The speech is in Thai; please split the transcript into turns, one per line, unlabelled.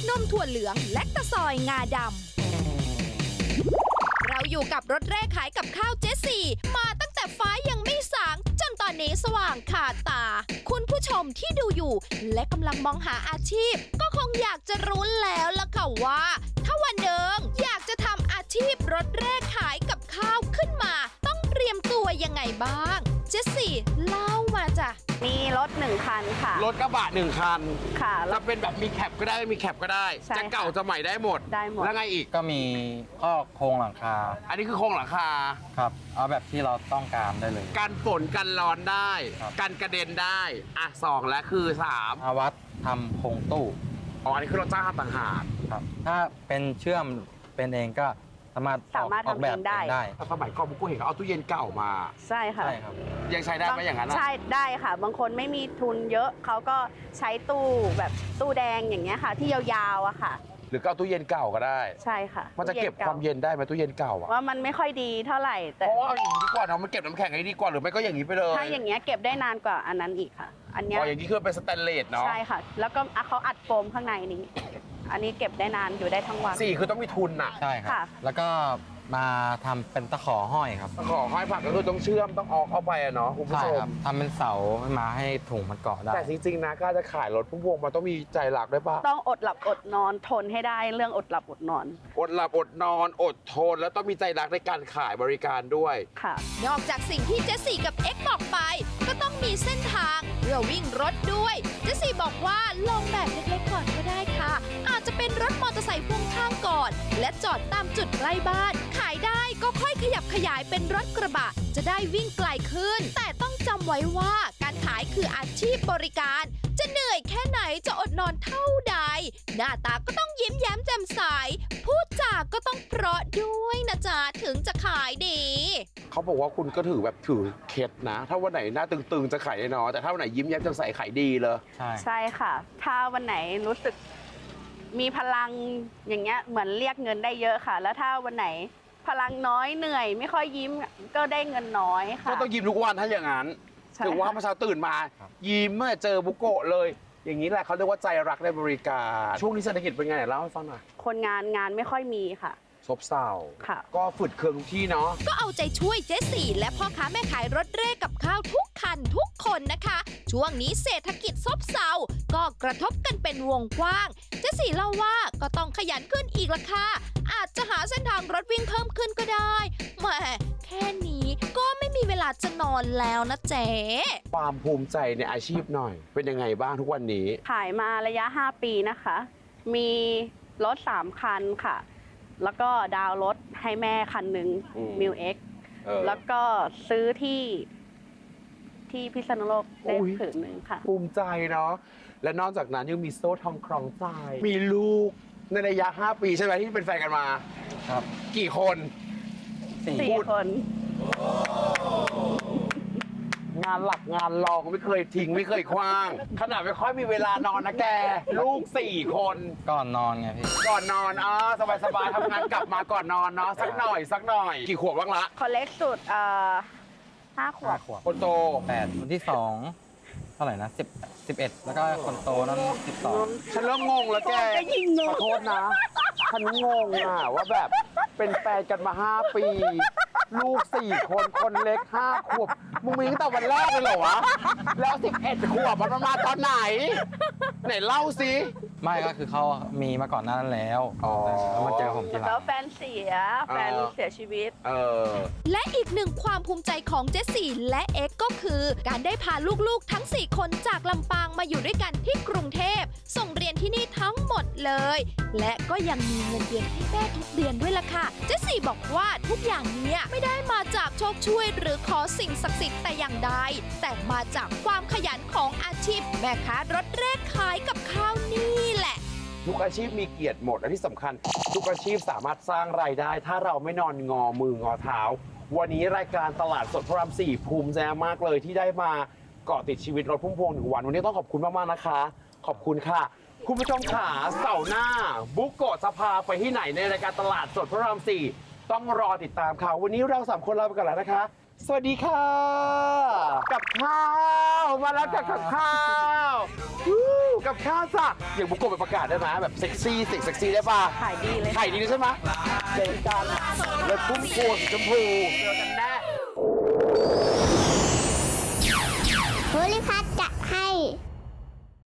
นมถั่วเหลืองและตะซอยงาดำเราอยู่กับรถแรกขายกับข้าวเจสซี่มาตั้งแต่ฟ้ายังไม่สางจนตอนนี้สว่างขาดตาคุณผู้ชมที่ดูอยู่และกำลังมองหาอาชีพก็คงอยากจะรู้แล้วล่ะค่ะว่าถ้าวันหนึ่งอยากจะทำอาชีพรถแรกขายกับข้าวขึ้นมาต้องเตรียมตัวยังไงบ้างเจสซี่เล่ามาจ้ะ
มีรถ1 คันค่ะ
รถกระบะ1 คัน
ค่ะ
จะเป็นแบบมีแคปก็ได้ไม่มีแคปก็ได้จะเก่าจะใหม่ได้หมดแล้วไงอีก
ก็มีข้อโครงหลังคา
อันนี้คือโครงหลังคา
ครับเอาแบบที่เราต้องการได้เลย
กันฝนกันร้อนได้กันกระเด็นได้อ่ะ2และคือ3
อาวัดทำโครงตู้
อ๋ออันนี้คือเราจ้างทำต่างหาก
ครับถ้าเป็นเชื่อมเป็นเองก็สามารถออกแบบเองได้
สมัยก่อนบุกก็เห็นเขาเอาตู้เย็นเก่ามา
ใช่ค่ะ
ใช่ครับ
ยังใช้ได้ไหมอย่างนั้น
ใช่ได้ค่ะบางคนไม่มีทุนเยอะเขาก็ใช้ตู้แบบตู้แดงอย่างเงี้ยค่ะที่ยาวๆอะค่ะ
หรือก็เอาตู้เย็นเก่าก็ได้
ใช่ค่ะ
มันจะเก็บความเย็นได้ไหมตู้เย็นเก่าอะ
ว่ามันไม่ค่อยดีเท่าไหร่แต่
เพราะว่าเอาอย่างนี้ดีกว่าเนาะมันเก็บน้ำแข็งให้ดีกว่าหรือไม่ก็อย่างนี้ไปเลย
ถ้าอย่างเงี้ยเก็บได้นานกว่าอันนั้นอีกค่ะอันเนี้ย
อย่างนี้คือเป็นสแตนเลสเนาะ
ใช่ค่ะแล้วก็เขาอัดโฟมข้างในนี้อันนี้เก็บได้นานอยู่ได้ทั้งวัน
4คือต้องมีทุนน่ะ
ใช่ครับแล้วก็มาทำเป็นตะขอห้อยครับ
ตะขอห้อยผักก็คือต้องเชื่อมต้องออกเข้าไปอะเนาะคุณผู้ชม
ทำเป็นเสามาให้ถุงมันเกาะได้
แต่จริงๆนะก็จะขายรถพุ่มพวงมันต้องมีใจรักด้วยป่ะ
ต้องอดหลับอดนอนทนให้ได้เรื่องอดหลับอดนอน
อดหลับอดนอนอดทนแล้วต้องมีใจรักในการขายบริการด้วย
ค่ะ
นอกจากสิ่งที่เจสซี่กับเอ็กบอกไปก็ต้องมีเส้นทางเพื่อวิ่งรถด้วยเจสซี่บอกว่าลองแบบเล็กๆก่อนก็ได้ค่ะอาจจะเป็นรถมอเตอร์ไซค์พ่วงข้างก่อนและจอดตามจุดใกล้บ้านขายได้ก็ค่อยขยับขยายเป็นรถกระบะจะได้วิ่งไกลขึ้นแต่ต้องจำไว้ว่าการขายคืออาชีพบริการจะเหนื่อยแค่ไหนจะอดนอนเท่าใดหน้าตาก็ต้องยิ้มแย้มแจ่มใสพูดจาก็ต้องเพราะด้วยนะจ๊ะถึงจะขายดี
เขาบอกว่าคุณก็ถือเคล็ดนะถ้าวันไหนหน้าตึงๆจะขายได้น้อยแต่ถ้าวันไหนยิ้มแย้มแจ่มใสขายดีเลย
ใช่ค่ะถ้าวันไหนรู้สึกมีพลังอย่างเงี้ยเหมือนเรียกเงินได้เยอะค่ะแล้วถ้าวันไหนพลังน้อยเหนื่อยไม่ค่อยยิ้มก็ได้เงินน้อยค่ะ
ก็ต้องยิ้มทุกวันถ้าอย่างนั้นถือว่าเมื่อเช้าตื่นมายิ้มเมื่อเจอบุโกะเลยอย่างนี้แหละเขาเรียกว่าใจรักในบริการช่วงนี้เศรษฐกิจเป็นไงเล่าให้ฟังหน่อย
คนงานไม่ค่อยมีค่ะ
ซบเซาก็ฝืดเคืองทุกที่เนาะ
ก็เอาใจช่วยเจสซี่และพ่อค้าแม่ขายรถเร่กับข้าวทุกคันทุกคนนะคะช่วงนี้เศรษฐกิจซบเซาก็กระทบกันเป็นวงกว้างเจสซี่เล่าว่าก็ต้องขยันขึ้นอีกละค่ะอาจจะหาเส้นทางรถวิ่งเพิ่มขึ้นก็ได้แหมแค่นี้ก็ไม่มีเวลาจะนอนแล้วนะเจ๊
ความภูมิใจในอาชีพหน่อยเป็นยังไงบ้างทุกวันนี้
ขายมาระยะ5 ปีนะคะมีรถ3 คันค่ะแล้วก็ดาวรถให้แม่คันหนึ่งมิวเอ็กแล้วก็ซื้อที่พิษณุโลกได้ผืนหนึ่งค่ะ
ภูมิใจเนาะและนอกจากนั้นยังมีโซ่ทองคล้องใจมีลูกในระยะ5 ปีใช่ไหมที่เป็นแฟนกันมา
ครับ
กี่คน
4 คน
งานหลักงานรองไม่เคยทิ้งไม่เคยคว้างขนาดไม่ค่อยมีเวลานอนนะแกลูก4 คน
ก่อนนอนไงพี่
ก่อนนอนสบายๆทำงานกลับมาก่อนนอนเนาะสักหน่อยกี่ขวบบ้างละ
คนเล็กสุด5 ขวบ
คนโต
8คนที่2เท่าไหร่นะ11แล้วก็คนโตนั้น12
ฉันเริ่มงงแล้วแกขอโทษนะฉันงงว่าแบบเป็นแฟนกันมา5 ปีลูก4 คนคนเล็ก5 ขวบมึงมีตั้งแต่วันแรกเลยเหรอวะแล้ว11 ขวบมันมาตอนไหนเล่าสิ
ไม่ก็คือเขามีมาก่อนหน้านั้นแล้วแล้วมาเจอผมทีหลัง
แล้วแฟนเสียชีวิต
และอีกหนึ่งความภูมิใจของเจสซี่และเอ็กก็คือการได้พาลูกๆทั้ง4 คนจากลำปางมาอยู่ด้วยกันที่กรุงเทพส่งเรียนที่นี่ทั้งหมดเลยและก็ยังมีเงินเดือนให้แม่ทุกเดือนด้วยล่ะค่ะเจสซี่บอกว่าทุกอย่างนี้ไม่ได้มาจากโชคช่วยหรือขอสิ่งศักดิ์สิทธิ์แต่อย่างใดแต่มาจากความขยันของอาชีพแม่ค้ารถเร่ขายกับข้าวนี่แหละ
ทุกอาชีพมีเกียรติหมดและที่สำคัญทุกอาชีพสามารถสร้างรายได้ถ้าเราไม่นอนงอมืองอเท้าวันนี้รายการตลาดสดพระราม4ภูมิใจมากเลยที่ได้มาเกาะติดชีวิตรถพุ่มพวง1 วันวันนี้ต้องขอบคุณมากๆนะคะขอบคุณค่ะคุณผู้ชมขาเสาร์หน้าบุกโกะจะพาไปที่ไหนในรายการตลาดสดพระราม4ต้องรอติดตามค่ะวันนี้เรา3 คนลาไปก่อนแล้วนะคะสวัสดีค่ะ กับข้าวมาแล้วกับข้าววู้กับข้าวจ้ะอย่างบุกโกะไปประกาศได้ไหมแบบเซ็กซี่เซ็กซี่ได้ป่ะ
ขายดีเลย
ขายดีเลยใช่ไหมเจอกันรถพุ่มพวงสีชมพูเจอกันแน่
ภูริพัฒน์จะ